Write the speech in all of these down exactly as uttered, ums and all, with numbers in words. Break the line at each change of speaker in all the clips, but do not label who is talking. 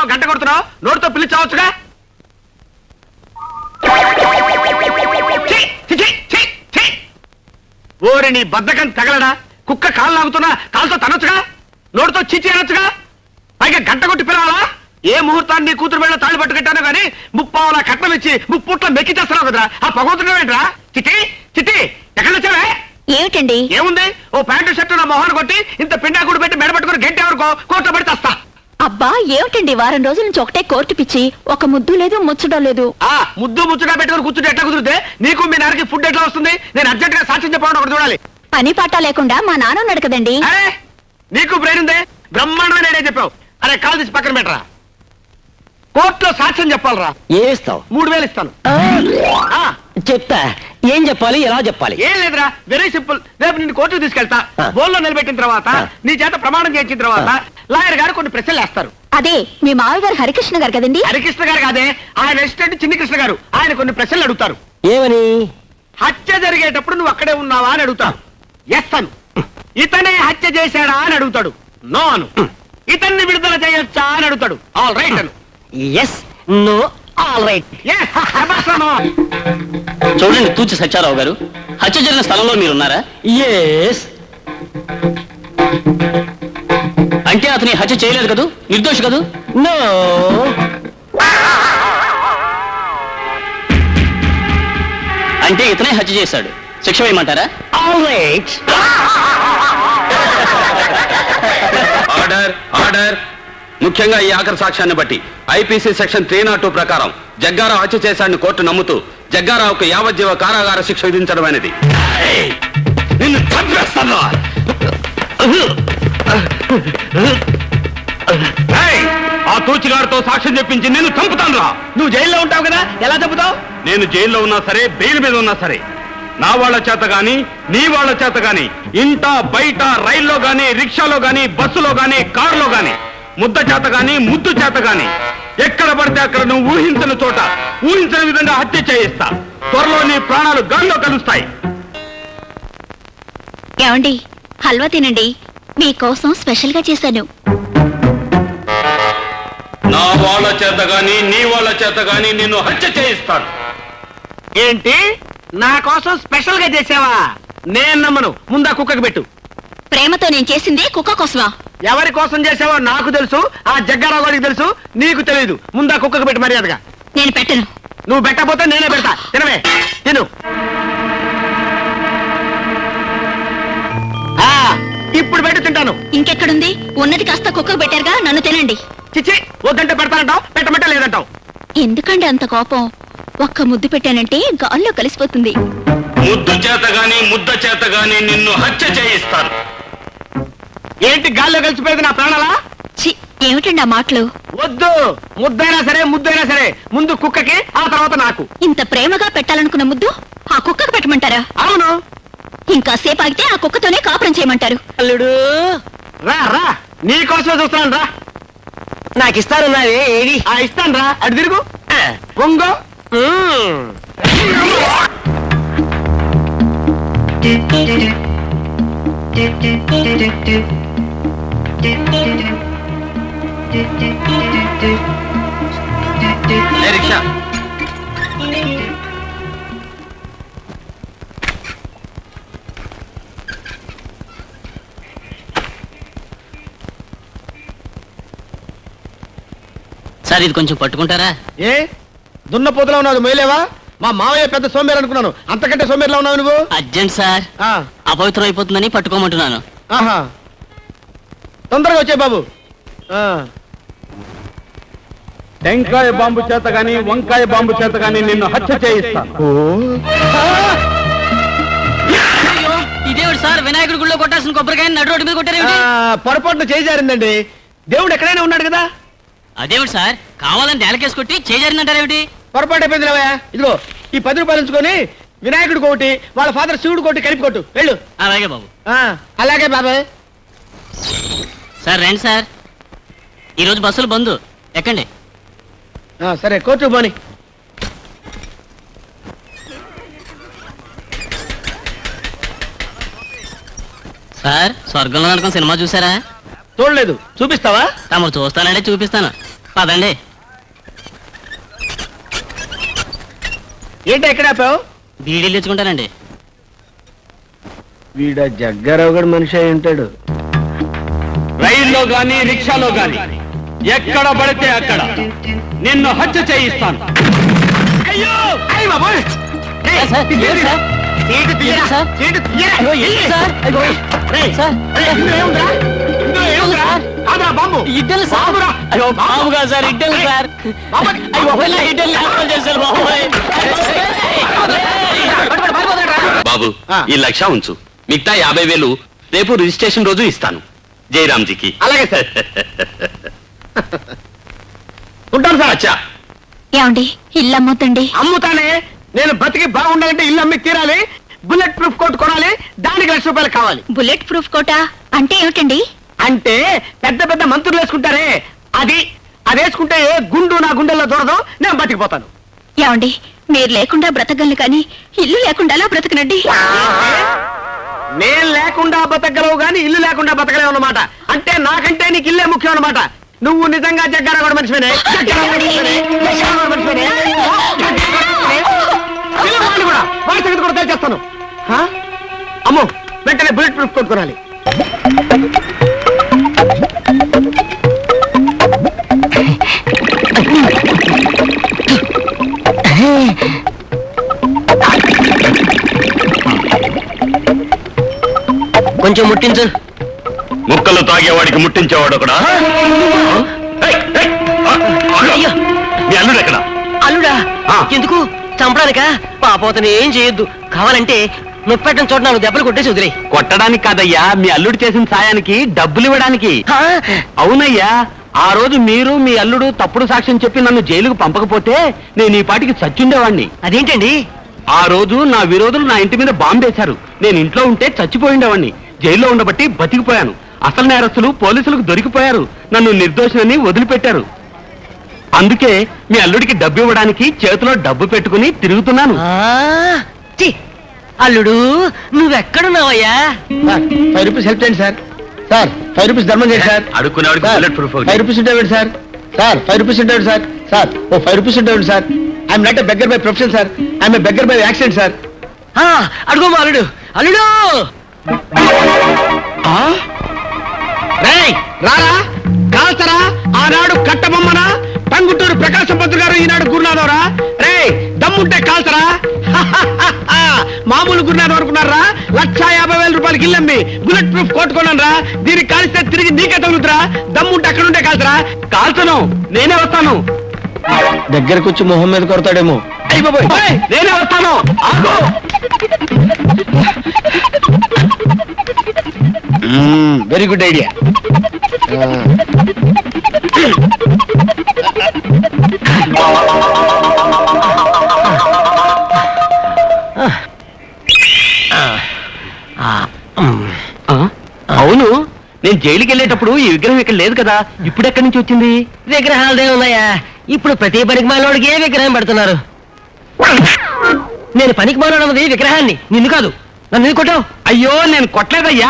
గంట కొడుతున్నావు? నోటితో పిలిచావచ్చుగా. ఓరి నీ బద్దకం తగలడా? కుక్క కాలు లాగుతున్నా కాలుతో తనొచ్చుగా, నోటితో చిచి అనొచ్చుగా, పైగా గంట కొట్టి పిలవాలా? ఏ ముహూర్తాన్ని నీ కూతురు మీద తాళి పట్టు కట్టాను కానీ ముప్పావులా కట్నం ఇచ్చి ముప్పుట్ల మెక్కి చేస్తున్నావు కదరా. ఆ పగవుతున్నావేంట్రా? చిట్టి చిట్టి ఎక్కడ వచ్చావే?
ఏమిటండి?
ఏముంది, ఓ ప్యాంటు షర్టు నా మొహాన్ని కొట్టి ఇంత పిండాకుడు పెట్టి మెడ పట్టుకుని గంట ఎవరికో కోర్టు పడి తెస్తా.
అబ్బా ఏమిటండి, వారం రోజుల నుంచి ఒకటే కోర్టు పిచ్చి, ఒక ముద్దు లేదు ముచ్చడం లేదు.
ఆ ముద్దు ముచ్చుగా పెట్టుకుని కూర్చుంటే ఎట్లా కుదిరితే నీకు మీ నాన్నకి ఫుడ్ ఎట్లా వస్తుంది? నేను అర్జెంట్ గా సాక్ష్యం చెప్పడం ఒకటి చూడాలి.
పని పాట లేకుండా మా నాన్న ఉన్నాడు కదండి.
అరే నీకు బ్రెయిన్ ఉందే, బ్రహ్మాండమైన ఐడియా చెప్పావు. అరే కాలు తీసి పక్కన పెట్టరా. కోర్టులో సాక్ష్యం చెప్పాలరా.
ఏం ఇస్తావు?
మూడు వేలు ఇస్తాను.
చెప్తా. ఏం చెప్పాలి, ఎలా చెప్పాలి?
ఏం లేదురా, వెరీ సింపుల్. రేపు నిన్ను కోర్టుకు తీసుకెళ్తా. బోల్లో నిలబెట్టిన తర్వాత నీ చేత ప్రమాణం చేయించిన తర్వాత లాయర్ గారు కొన్ని ప్రశ్నలు వేస్తారు.
అదే మీ మావి గారు హరికృష్ణ గారు కదండి.
హరికృష్ణ గారు కాదే, ఆయన అసిస్టెంట్ చిన్ని కృష్ణ గారు. ఆయన కొన్ని ప్రశ్నలు అడుగుతారు.
ఏమని?
హత్య జరిగేటప్పుడు నువ్వు అక్కడే ఉన్నావా అని అడుగుతాడు. ఎస్ అను. ఇతనే హత్య చేశాడా అని అడుగుతాడు. నో అను. ఇతన్ని విడుదల చేయొచ్చా అని అడుగుతాడు. All right Anu.
Yes no all right.
చూడండి తూచి సత్యారావు గారు, హత్య జరిగిన స్థలంలో మీరున్నారా?
ఎస్.
అంటే అతని హత్య చేయలేదు కదూ, నిర్దోషి కదూ?
నో.
అంటే ఇతనే హత్య చేశాడు, శిక్ష వేయమంటారా?
All right.
Order order. ముఖ్యంగా ఈ ఆఖరి సాక్ష్యాన్ని బట్టి IPC section three nought two ప్రకారం జగ్గారావు హత్య చేశాడని కోర్టు నమ్ముతూ జగ్గారావుకు యావజ్జీవ కారాగార శిక్ష విధించడం అనేది.
నిన్ను చంపేస్తాను. ఆ తూచిగారితో సాక్ష్యం చెప్పించి నిన్ను చంపుతాను రా. నువ్వు జైల్లో ఉంటావు కదా, ఎలా చంపుతావు?
నేను జైల్లో ఉన్నా సరే, బెయిల్ మీద ఉన్నా సరే, నా వాళ్ళ చేత గాని నీ వాళ్ళ చేత గాని ఇంట బయట రైల్లో గాని రిక్షాలో గాని బస్సులో గాని కారులో గాని ముద్ద చేత గాని ముద్దు చేత గాని ఎక్కడ పడితే అక్కడ నువ్వు ఊహించని చోట ఊహించని విధంగా హత్య చేయిస్తా. త్వరలో నీ ప్రాణాలు గాల్లో కలుస్తాయి.
ఏమండి, హల్వా తినండి, మీకోసం స్పెషల్ గా చేశాను.
నా వాళ్ళ చేత గాని నీ వాళ్ళ చేత గాని నిన్ను హత్య చేయిస్తాను.
ఏంటి, నా కోసం స్పెషల్ గా చేసావా? నేను నమ్మను. ముందా కుక్కకి పెట్టు.
ప్రేమతో నేను చేసింది కుక్క కోసమా?
ఎవరి కోసం చేసావో నాకు తెలుసు, ఆ జగ్గారావు గారికి తెలుసు, నీకు తెలియదు. ముందా కుక్కకి పెట్టు మర్యాదగా.
నేను పెట్టను.
నువ్వు పెట్టకపోతే నేనే పెడతా. తినవే, తిను. ఇప్పుడు పెట్టి తింటాను.
ఇంకెక్కడుంది? ఉన్నది కాస్త కుక్కకు పెట్టారుగా, నన్ను తినండి.
చిచ్చి, వద్దంటే పెడతానంటావు, పెట్టమంటే లేదంటావు.
ఎందుకండి అంత కోపం? ఒక్క ముద్దు పెట్టానంటే గాల్లో కలిసిపోతుంది.
ముద్దు చేత గాని ముద్ద చేత గాని నిన్ను హత్య చేయిస్తాను.
ఏంటి గాల్లో కలిసిపోయేది నా ప్రాణాలా?
చి, ఏమిటండి ఆ మాటలు?
వద్దు, ముద్దైనా సరే ముద్దైనా సరే ముందు కుక్కకి, ఆ తర్వాత నాకు.
ఇంత ప్రేమగా పెట్టాలనుకున్న ముద్దు ఆ కుక్కకు పెట్టమంటారా?
అవును.
ఇంకా సేపు ఆగితే ఆ కుక్కతోనే కాపురం చేయమంటారు.
అల్లుడు
రా రా, నీ కోసమే చూస్తున్నాను రా.
నాకు ఇస్తానున్నావే, ఏది?
ఆ ఇస్తాను రా. అటు తిరుగు, పొంగో.
రిక్షా
సార్ ఇది కొంచెం పట్టుకుంటారా?
ఏ దున్నపోతులా ఉన్నావు, మొయ్యలేవా? మా మావయ్య పెద్ద సోమేరు అనుకున్నాను, అంతకంటే సోమేరులా ఉన్నావు నువ్వు.
అర్జెంట్ సార్,
ఆ,
అపవిత్రం అయిపోతుందని పట్టుకోమంటున్నాను.
ఆహా, తొందరగా వచ్చే బాబు. ఆ,
టెంకాయ బాంబు చేత గాని వంకాయ బాంబు చేత గాని నిన్ను హత్య చేయిస్తాను.
ఇదేవిడు సార్, వినాయకుడి గుళ్ళో కొట్టాల్సిన కొబ్బరికాయ నడు రోడ్డు మీద కొట్టారు.
పొరపాటున చేజారిందండి. దేవుడు ఎక్కడైనా ఉన్నాడు కదా.
అదేవిడు సార్, కావాలని నేలకేసి కొట్టి చేజారిందంటారేమిటి?
పొరపాటు అయిపోయింది రావయ్య. ఇదిగో ఈ పది రూపాయలు ఉంచుకొని వినాయకుడు కోటి, వాళ్ళ ఫాదర్ శివుడు కోటి కలిపి కొట్టు, వెళ్ళు.
అలాగే బాబు.
ఆ, అలాగే బాబాయ్.
సార్ రండి సార్, ఈరోజు బస్సులు బంద్, ఎక్కండి.
ఆ, సరే కోర్టు పోని.
సార్, స్వర్గంలో నరకం సినిమా చూసారా?
చూడలేదు, చూపిస్తావా?
తమరు చూస్తానంటే చూపిస్తాను. పదండి.
ఏంటి ఎక్కడ ఆపావు?
బీడీలు తెచ్చుకుంటానండి.
వీడ జగ్గారావు గడు మనిషి అయి ఉంటాడు.
రైల్లో గాని రిక్షాలో గాని ఎక్కడ పడితే అక్కడ నిన్ను హత్య చేయిస్తాను.
అయ్యో అయ్య బాబోయ్! ఏయ్,
సార్,
ఇది
ఏంటి సార్?
సీటు తీయరా?
ఏంటి సార్?
సీటు తీయరా?
అయ్యో, ఏంటి సార్? అయ్యో,
రేయ్,
సార్,
రేయ్, ఇందులో ఏముందిరా? ఇందులో ఏముందిరా? కాదురా, బాంబు.
ఇడ్డలు సార్.
బాంబురా.
అయ్యో బాబు కాదు సార్, ఇడ్డలు సార్.
బాంబు.
అయ్యో ఇలా ఇడ్డలు లేకుండా చేశారు బాబోయ్.
బాబు
ఆ.
ఈ లక్ష ఉంచు, మిగతా యాభై వేలు రేపు రిజిస్ట్రేషన్ రోజు ఇస్తాను జయరామ్జీకి.
అలాగే సార్. ఉంటాను సార్.
అచ్చా,
ఏమండి ఇల్లు అమ్మొద్దండి.
అమ్ముతానే. నేను బతికి బాగుండాలంటే ఇల్లు అమ్మి తీరాలి. బుల్లెట్ ప్రూఫ్ కోట్ కొనాలి. దానికి లక్ష రూపాయలు కావాలి.
బుల్లెట్ ప్రూఫ్ కోటా అంటే ఏమిటండి?
అంటే పెద్ద పెద్ద మంత్రులు వేసుకుంటారే అది అది వేసుకుంటే ఏ గుండు నా గుండెల్లో దూరదు. నేను బతికిపోతాను.
ఏమండి మీరు లేకుండా బ్రతకగలను కానీ ఇల్లు లేకుండా అలా బ్రతకనండి.
నేను లేకుండా బతకగలవు గాని ఇల్లు లేకుండా బతకలేవు అన్నమాట. అంటే నాకంటే నీకు ఇల్లే ముఖ్యం అన్నమాట. నువ్వు నిజంగా జగ్గారా కూడా మనిషివేనే. జగ్గారా కూడా మనిషివేనే. జగ్గారా కూడా మనిషివేనే. పిల్లవాడిని కూడా వాడి సంగతి కూడా తెలిచేస్తాను. హా? అమ్మో వెంటనే బుల్లెట్ ప్రూఫ్ కొనుక్కోనాలి.
కొంచెం ముట్టించు.
ముక్కలు తాగేవాడికి ముట్టించేవాడు ఒకడా? ఏయ్, ఏయ్, ఆ, ఆగు.
అయ్యో.
మీ అల్లుడు ఎక్కడ?
అల్లుడా?
ఆ.
ఎందుకు చంపడానికా? పాపోతని ఏం చేయొద్దు. కావాలంటే నొప్పెట్టని చోట నాలుగు దెబ్బలు కొట్టేసి వదిలే.
కొట్టడానికి కాదయ్యా, మీ అల్లుడు చేసిన సాయానికి డబ్బులు ఇవ్వడానికి. అవునయ్యా, ఆ రోజు మీరు మీ అల్లుడు తప్పుడు సాక్ష్యం చెప్పి నన్ను జైలుకు పంపకపోతే నేను ఈ పాటికి చచ్చుండేవాణ్ణి.
అదేంటండి?
ఆ రోజు నా విరోధులు నా ఇంటి మీద బాంబేశారు. నేను ఇంట్లో ఉంటే చచ్చిపోయిండేవాణ్ణి. జైల్లో ఉండబట్టి బతికిపోయాను. అసలు నేరస్తులు పోలీసులకు దొరికిపోయారు. నన్ను నిర్దోషినని వదిలిపెట్టారు. అందుకే మీ అల్లుడికి డబ్బు ఇవ్వడానికి చేతిలో డబ్బు పెట్టుకుని తిరుగుతున్నాను.
ఆ, ఛీ! అల్లుడు నువ్వెక్కడున్నావయ్యా?
సార్ ఫైవ్ రూపీస్ హెల్ప్ చేయండి సార్. సార్ ఫైవ్ రూపీస్ ధర్మం చేయండి సార్.
అడుక్కునేవాడికి
సార్,
బుల్లెట్ ప్రూఫ్ ఒకటి.
ఫైవ్ రూపీస్ ఉండేవాడు సార్. సార్ ఫైవ్ రూపీస్ ఉండేవాడు సార్. సార్ ఓ ఫైవ్ రూపీస్ ఉండేవాడు sir. I'm not a beggar by profession sir. I'm a beggar by accident sir.
ఆ, అడుగు మా అల్లుడు. అల్లుడు
రేయ్ రారా కాల్చరా. ఆనాడు కట్టబొమ్మనా టంగుటూరు ప్రకాశం పంతులు గారు, ఈనాడు గురునాథవరా. రేయ్ దమ్ముంటే కాల్చరా. మామూలు గురునాథం అనుకున్నారా? లక్షా యాభై వేల రూపాయలకి ఇల్లమ్మి బుల్లెట్ ప్రూఫ్ కొట్టుకున్నాను రా. దీనికి కాల్స్తే తిరిగి నీకే తగులుతురా. దమ్ముంటే అక్కడ ఉంటే కాల్చరా.
కాల్చను, నేనే వస్తాను.
దగ్గరకు వచ్చి మొహం మీద కొడతాడేమో. అయ్యి బాబోయ్,
ఓయ్, నేనే వస్తాను. ఆగు.
Very good idea.
ఆ? అవును, నేను జైలుకి వెళ్ళేటప్పుడు ఈ విగ్రహం ఇక్కడ లేదు కదా, ఇప్పుడు ఎక్కడి నుంచి వచ్చింది?
విగ్రహాలదే ఉన్నాయా? ఇప్పుడు ప్రతి పనికి మాలోడికి ఏ విగ్రహం పెడుతున్నారు? నేను పనికి మాలోడన్నది విగ్రహాన్ని, నిన్ను కాదు. నన్ను ఎందుకు కొట్టావు?
అయ్యో నేను కొట్టలేదయ్యా.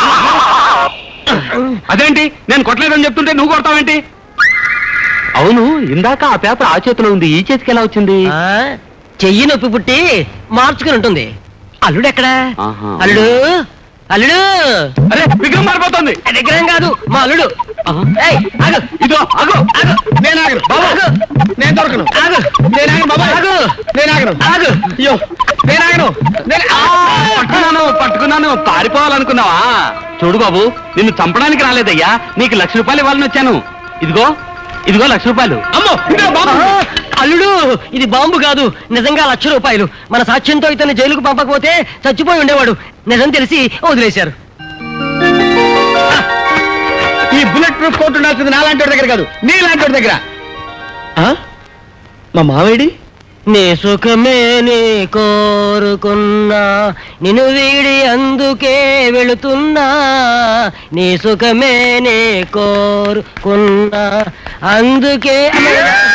అదేంటి నేను కొట్టలేదని చెప్తుంటే నువ్వు కొడతావేంటి?
అవును, ఇందాక ఆ పేపర్ ఆ చేతిలో ఉంది, ఈ చేతికి ఎలా వచ్చింది?
ఆ, చెయ్యి నొప్పి పుట్టి మార్చుకుని ఉంటుంది. అల్లుడు ఎక్కడా?
ఆహా.
అల్లుడు అల్లుడు
అరే విగ్రహం మారిపోతుంది.
ఆ విగ్రహం కాదు, మా అల్లుడు.
ఆహా.
ఏయ్, ఆగు.
ఇదో అగో
ఆగు.
నేను ఆగను బాబు.
ఆగు.
నేను దొరకను.
ఆగు.
నేను ఆగను బాబా.
ఆగు.
నేను ఆగను.
ఆగు.
అయ్యో నేను ఆగను. నేను
ఆ, పట్టుకున్నాను పట్టుకున్నాను పారిపోవాలనుకున్నావా? చూడు బాబు, నిన్ను చంపడానికి రాలేదయ్యా, నీకు లక్ష రూపాయలు ఇవ్వాలని వచ్చాను. ఇదిగో ఇదిగో లక్ష రూపాయలు.
అమ్మో ఇదే బాబు.
ఆ, అల్లుడు ఇది బాంబు కాదు, నిజంగా లక్ష రూపాయలు. మన సాక్ష్యంతో ఇతన్ని జైలుకు పంపకపోతే చచ్చిపోయి ఉండేవాడు. నిజం తెలిసి వదిలేశారు.
ఈ బుల్లెట్ ప్రూఫ్ కోట్ ఉండాల్సింది నాలాంటి వాడి దగ్గర కాదు, నీ లాంటి వాడి దగ్గర. ఆ? మా మావేడి?
నీ సుఖమే నీ కోరుకున్నా, నిన్ను వీడి అందుకే వెళుతున్నా. నీ సుఖమే నీ కోరుకున్నా, అందుకే